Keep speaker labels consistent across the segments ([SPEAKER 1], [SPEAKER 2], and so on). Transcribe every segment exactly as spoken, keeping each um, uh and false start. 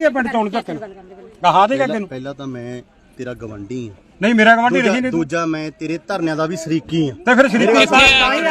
[SPEAKER 1] ਪਿੰਡ ਚੋਣ ਧੱਕੇ ਕਹਾ ਦੇਗਾ ਤੈਨੂੰ
[SPEAKER 2] ਪਹਿਲਾਂ ਤਾਂ ਮੈਂ ਤੇਰਾ ਗਵੰਡੀ ਆ
[SPEAKER 1] ਨਹੀਂ ਮੇਰਾ ਗਵਾਂਢੀ ਰਹੀ ਨਹੀਂ
[SPEAKER 2] ਦੂਜਾ ਮੈਂ ਤੇਰੇ ਧਰਨਿਆਂ ਦਾ ਵੀ ਸ਼ਰੀਕੀ ਆ
[SPEAKER 1] ਤੇ ਫਿਰ ਸ਼ਰੀਕੀ ਤਾਂ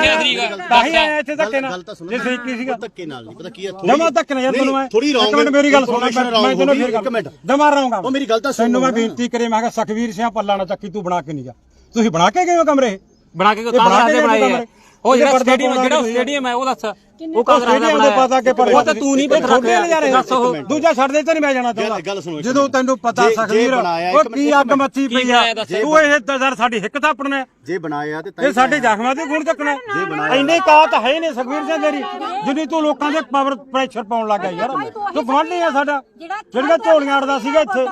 [SPEAKER 1] ਹੀ ਆਇਆ ਇੱਥੇ ਧੱਕੇ ਨਾਲ ਜੇ ਸ਼ਰੀਕੀ ਸੀਗਾ
[SPEAKER 2] ਧੱਕੇ ਨਾਲ ਨਹੀਂ ਪਤਾ ਕੀ ਆ
[SPEAKER 1] ਜਮਾ ਧੱਕੇ ਨਾਲ ਯਾਰ ਤੈਨੂੰ ਮੈਂ
[SPEAKER 2] ਥੋੜੀ ਰੌਂਗ
[SPEAKER 1] ਮਿੰਟ ਮੇਰੀ ਗੱਲ ਸੁਣ ਮੈਂ ਤੈਨੂੰ ਫਿਰ
[SPEAKER 2] ਇੱਕ ਮਿੰਟ
[SPEAKER 1] ਜਮਾ ਰਹਾਂਗਾ
[SPEAKER 2] ਉਹ ਮੇਰੀ ਗੱਲ ਤਾਂ ਸੁਣ
[SPEAKER 1] ਤੈਨੂੰ ਮੈਂ ਬੇਨਤੀ ਕਰੇ ਮੈਂ ਕਿਹਾ ਸਖਵੀਰ ਸਿੰਘ ਪੱਲਾ ਨਾ ਚੱਕੀ ਤੂੰ ਬਣਾ ਕੇ ਨਹੀਂ ਜਾ ਤੁਸੀਂ ਬਣਾ ਕੇ ਗਏ ਹੋ ਕਮਰੇ
[SPEAKER 3] ਬਣਾ ਕੇ ਕਾਂਗਰਸ ਦੇ ਬਣਾਏ ਆ ਉਹ ਜਿਹੜਾ ਸਟੇਡੀਅਮ ਜਿਹੜਾ ਸਟੇਡੀਅਮ ਹੈ ਉਹ ਦੱਸ ਉਹ ਕਾਂਗਰਸ ਦਾ ਬਣਾਇਆ
[SPEAKER 1] ਪਤਾ ਕਿ ਪਰ
[SPEAKER 3] ਉਹ ਤਾਂ ਤੂੰ ਨਹੀਂ ਰੱਖਿਆ ਦੱਸ ਉਹ
[SPEAKER 1] ਦੂਜਾ ਛੱਡ ਦੇ ਤੇ ਨਹੀਂ ਮੈਂ ਜਾਣਾ ਚਾਹੁੰਦਾ ਜਦੋਂ ਤੈਨੂੰ ਪਤਾ ਸਖਵੀਰ ਉਹ ਕੀ ਅੱਗ ਮੱਚੀ ਪਈ ਆ ਤੂੰ ਇਹ ਦਜ਼ਰ ਸਾਡੀ ਹਿੱਕ ਥਾਪਣਾ
[SPEAKER 2] ਜੇ ਬਣਾਇਆ ਤੇ
[SPEAKER 1] ਇਹ ਸਾਡੇ ਜ਼ਖਮਾਂ ਤੇ ਗੁਣ ਚੱਕਣਾ ਇੰਨੇ ਕਾਤ ਹੈ ਨਹੀਂ ਸਖਵੀਰ ਸਿੰਘ ਤੇਰੀ ਜਿੰਨੀ ਤੂੰ ਲੋਕਾਂ ਦੇ ਪਾਵਰ ਪ੍ਰੈਸ਼ਰ ਪਾਉਣ ਲੱਗਾ ਯਾਰ ਤੂੰ ਗਵਾਂਢੀ ਆ ਸਾਡਾ ਜਿਹੜਾ ਝੋਲੀਆਂ ਅੜਦਾ ਸੀਗਾ ਇੱਥੇ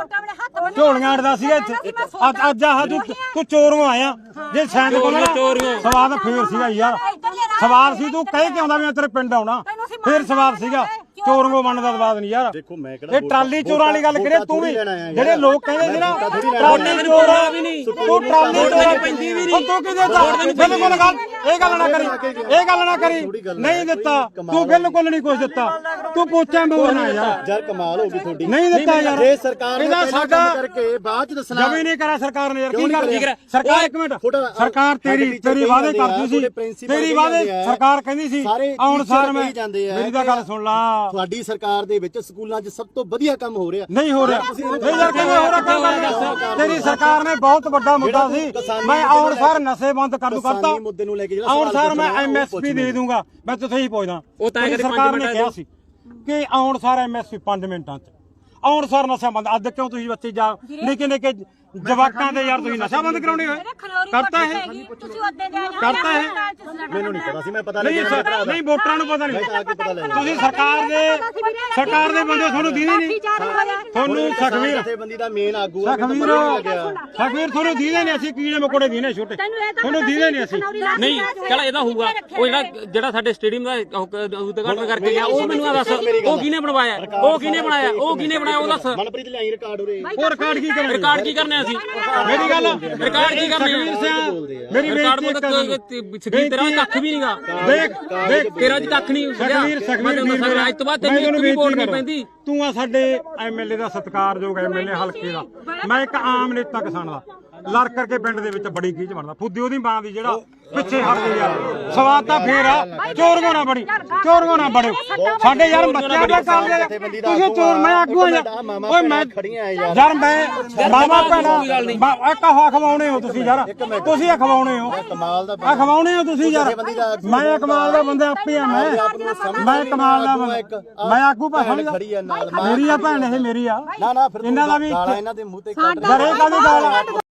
[SPEAKER 1] ਝੋਲੀਆਂ ਅੜਦਾ ਸੀਗਾ ਇੱਥੇ ਅੱਜ ਅੱਜ ਆਹ ਤੂੰ ਤੂੰ ਚੋਰੋਂ ਆਇਆ ਜੇ ਸੈਂਡ ਕੋਲ ਨਾ ਸਵਾਦ ਫੇਰ ਸੀਗਾ ਯਾਰ ਸਵਾਲ ਸੀ ਤੂੰ ਕਹਿ ਕੇ ਆਉਂਦਾ ਮੈਂ ਤੇਰੇ ਪਿੰਡ ਆਉਣਾ ਫੇਰ ਸਵਾਲ ਸੀਗਾ ਚੋਰੋਂ ਬਣਨ ਦਾ ਸਵਾਦ ਨਹੀਂ ਯਾਰ
[SPEAKER 2] ਦੇਖੋ ਮੈਂ ਕਿਹੜਾ
[SPEAKER 1] ਇਹ ਟਰਾਲੀ ਚੋਰਾਂ ਵਾਲੀ ਗੱਲ ਕਰੇ ਤੂੰ ਵੀ ਜਿਹੜੇ ਲੋਕ ਕਹਿੰਦੇ ਸੀ ਨਾ ਟਰਾਲੀ ਚੋਰਾਂ ਵੀ ਨਹੀਂ ਤੂੰ ਟਰਾਲੀ ਚੋਰਾਂ ਪੈਂਦੀ ਵੀ ਨਹੀਂ ਤੂੰ ਕਿਹਦੇ ਦਾ ਬਿਲਕੁਲ ਗੱਲ ਇਹ ਗੱਲ ਨਾ ਕਰੀ ਇਹ ਗੱਲ ਨਾ ਕਰੀ ਨਹੀਂ ਦਿੱਤਾ ਤੂੰ ਬਿਲਕੁਲ ਨਹੀਂ ਕੁਝ ਦਿੱਤਾ ਤੂੰ ਪੋਚਾ ਮੋਰਨਾ ਯਾਰ
[SPEAKER 2] ਯਾਰ ਕਮਾਲ ਹੋ ਗਈ ਤੁਹਾਡੀ
[SPEAKER 1] ਨਹੀਂ ਦਿੱਤਾ ਯਾਰ
[SPEAKER 2] ਜੇ ਸਰਕਾਰ ਨੇ
[SPEAKER 1] ਇਹਦਾ ਸਾਡਾ
[SPEAKER 2] ਕਰਕੇ ਬਾਅਦ ਚ ਦੱਸਣਾ
[SPEAKER 1] ਜਮੀ ਨਹੀਂ ਕਰਾ ਸਰਕਾਰ ਨੇ ਯਾਰ ਕੀ ਕਰ ਸਰਕਾਰ ਇੱਕ ਮਿੰਟ ਸਰਕਾਰ ਤੇਰੀ ਤੇਰੀ ਵਾਅਦੇ ਕਰਦੀ ਸੀ ਤੇਰੀ ਵਾਅਦੇ ਸਰਕਾਰ ਕਹਿੰਦੀ ਸੀ ਆਉਣ ਸਾਰ ਮੈਂ ਮੇਰੀ ਤਾਂ ਗੱਲ ਸੁਣ ਲਾ
[SPEAKER 2] ਤੁਹਾਡੀ ਸਰਕਾਰ ਦੇ ਵਿੱਚ ਸਕੂਲਾਂ 'ਚ ਸਭ ਤੋਂ ਵਧੀਆ ਕੰਮ ਹੋ ਰਿਹਾ
[SPEAKER 1] ਨਹੀਂ ਹੋ ਰਿਹਾ ਨਹੀਂ ਯਾਰ ਕਿਵੇਂ ਹੋ ਰਿਹਾ ਕੰਮ ਤੇਰੀ ਸਰਕਾਰ ਨੇ ਬਹੁਤ ਵੱਡਾ ਮੁੱਦਾ ਸੀ ਮੈਂ ਆਉਣ ਸਾਰ ਨਸ਼ੇ ਬੰਦ ਕਰ ਦੂ ਕਰਤਾ
[SPEAKER 2] ਮੁੱਦੇ ਨੂੰ ਲੈ ਕੇ ਜਿਹੜਾ
[SPEAKER 1] ਆਉਣ ਸਾਰ ਮੈਂ ਐਮਐਸਪੀ ਦੇ ਦੂੰਗਾ ਮੈਂ ਤੁਥੇ ਹੀ ਪੁੱਛਦਾ ਸਰਕਾਰ ਨੇ ਕਿਹਾ ਸੀ ਕਿ ਆਉਣ ਸਾਰ ਐਮਐਸਪੀ ਪੰਜ ਮਿੰਟਾਂ 'ਚ ਆਉਣ ਸਾਰ ਨਸ਼ਾ ਬੰਦ ਅੱਜ ਕਿਉਂ ਤੁਸੀਂ ਬੱਚੇ ਜਾ ਨਿੱਕੇ ਨਿੱਕੇ ਜਵਾਕਾਂ ਦੇ ਯਾਰ ਤੁਸੀਂ ਨਸ਼ਾ ਬੰਦ ਕਰਾਉਣੇ ਹੋਏ ਕਰਤਾ ਹੈ ਕਰਤਾ ਹੈ
[SPEAKER 2] ਮੈਨੂੰ ਨਹੀਂ ਪਤਾ ਸੀ ਮੈਂ ਪਤਾ
[SPEAKER 1] ਨਹੀਂ ਨਹੀਂ ਵੋਟਰਾਂ ਨੂੰ ਪਤਾ ਨਹੀਂ ਤੁਸੀਂ ਸਰਕਾਰ ਦੇ ਸਰਕਾਰ ਦੇ ਬੰਦੇ ਤੁਹਾਨੂੰ ਦੀਦੇ ਨਹੀਂ ਤੁਹਾਨੂੰ ਸਖਵੀਰ
[SPEAKER 2] ਜਥੇਬੰਦੀ ਦਾ ਮੇਨ ਆਗੂ
[SPEAKER 1] ਸਖਵੀਰ ਸਖਵੀਰ ਤੁਹਾਨੂੰ ਦੀਦੇ ਨਹੀਂ ਅਸੀਂ ਕੀੜੇ ਮਕੋੜੇ ਦੀਨੇ ਛੋਟੇ ਤੁਹਾਨੂੰ ਦੀਦੇ ਨਹੀਂ ਅਸੀਂ
[SPEAKER 3] ਨਹੀਂ ਚਲ ਇਹਦਾ ਹੋਊਗਾ ਉਹ ਜਿਹੜਾ ਜਿਹੜਾ ਸਾਡੇ ਸਟੇਡੀਅਮ ਦਾ ਉਦਘਾਟਨ ਕਰਕੇ ਗਿਆ ਉਹ ਮੈਨੂੰ ਆ ਦੱਸ ਉਹ ਕਿਹਨੇ ਬਣਵਾਇਆ ਉਹ ਕਿਹਨੇ ਬਣਾਇਆ ਉਹ ਕਿਹਨੇ ਬਣਾਇਆ ਉਹ ਦੱਸ
[SPEAKER 2] ਮਨਪ੍ਰੀਤ ਲਿਆਈ ਰਿਕਾਰਡ ਉਰੇ
[SPEAKER 1] ਉਹ ਰਿਕਾਰਡ ਕੀ ਕਰਨਾ
[SPEAKER 3] ਰਿਕਾਰਡ ਕੀ ਕਰਨਾ ਅਸੀਂ
[SPEAKER 1] ਮੇਰੀ ਗੱਲ
[SPEAKER 3] ਰਿਕਾਰਡ ਕੀ ਕਰਨਾ
[SPEAKER 1] ਮੇਰੀ
[SPEAKER 3] ਰਿਕਾਰਡ ਸਖਵੀਰ ਤੇਰਾ ਕੱਖ ਵੀ ਨਹੀਂਗਾ
[SPEAKER 1] ਦੇਖ ਦੇਖ
[SPEAKER 3] ਤੇਰਾ ਜੀ ਕੱਖ ਨਹੀਂ
[SPEAKER 1] ਸਖਵੀਰ ਸਖਵੀਰ
[SPEAKER 3] ਅੱਜ ਤੋਂ ਬਾਅਦ ਤੈਨੂੰ ਇੱਕ ਵੀ ਵੋਟ ਨਹੀਂ ਪੈਂਦੀ
[SPEAKER 1] ਤੂੰ ਆ ਸਾਡੇ ਐਮਐਲਏ ਦਾ ਸਤਿਕਾਰਯੋਗ ਐਮਐਲਏ ਹਲਕੇ ਦਾ ਮੈਂ ਇੱਕ ਆਮ ਨੇਤਾ ਕਿਸਾਨ ਦਾ ਲੜ ਕਰਕੇ ਪਿੰਡ ਦੇ ਵਿੱਚ ਬੜੀ ਖੀਚ ਬਣਦਾ ਫੁੱਦੀ ਉਹਦੀ ਮਾਂ ਦੀ ਜਿਹੜਾ ਪਿੱਛੇ ਹਟ ਗਈ ਯਾਰ ਸਵਾਦ ਤਾਂ ਫੇਰ ਆ ਚੋਰਗੋ ਨਾ ਬੜੀ ਚੋਰਗੋ ਨਾ ਬੜਿਓ ਸਾਡੇ ਯਾਰ ਬੱਚਿਆਂ ਦਾ ਕਾਲ ਦੇ ਤੁਸੀਂ ਚੋਰ ਮੈਂ ਆਗੂ ਆ ਓਏ ਮੈਂ ਯਾਰ ਮੈਂ ਮਾਮਾ ਭੈਣਾ ਇੱਕ ਹਵਾ ਖਵਾਉਣੇ ਹੋ ਤੁਸੀਂ ਯਾਰ ਤੁਸੀਂ ਆ ਖਵਾਉਣੇ ਹੋ
[SPEAKER 2] ਕਮਾਲ ਦਾ
[SPEAKER 1] ਆ ਖਵਾਉਣੇ ਹੋ ਤੁਸੀਂ ਯਾਰ ਮੈਂ ਕਮਾਲ ਦਾ ਬੰਦਾ ਆਪੇ ਆ ਮੈਂ ਮੈਂ ਕਮਾਲ ਦਾ ਬੰਦਾ ਮੈਂ ਆਗੂ ਭਾਣ ਮੇਰੀ ਆ ਭੈਣ ਇਹ ਮੇਰੀ ਆ
[SPEAKER 2] ਨਾ ਨਾ ਫਿਰ
[SPEAKER 1] ਇਹਨਾਂ ਦਾ ਵੀ
[SPEAKER 2] ਇਹਨਾਂ ਦੇ ਮੂੰਹ ਤੇ
[SPEAKER 1] ਘਰੇ ਕਾਹਦੀ ਗਾਲ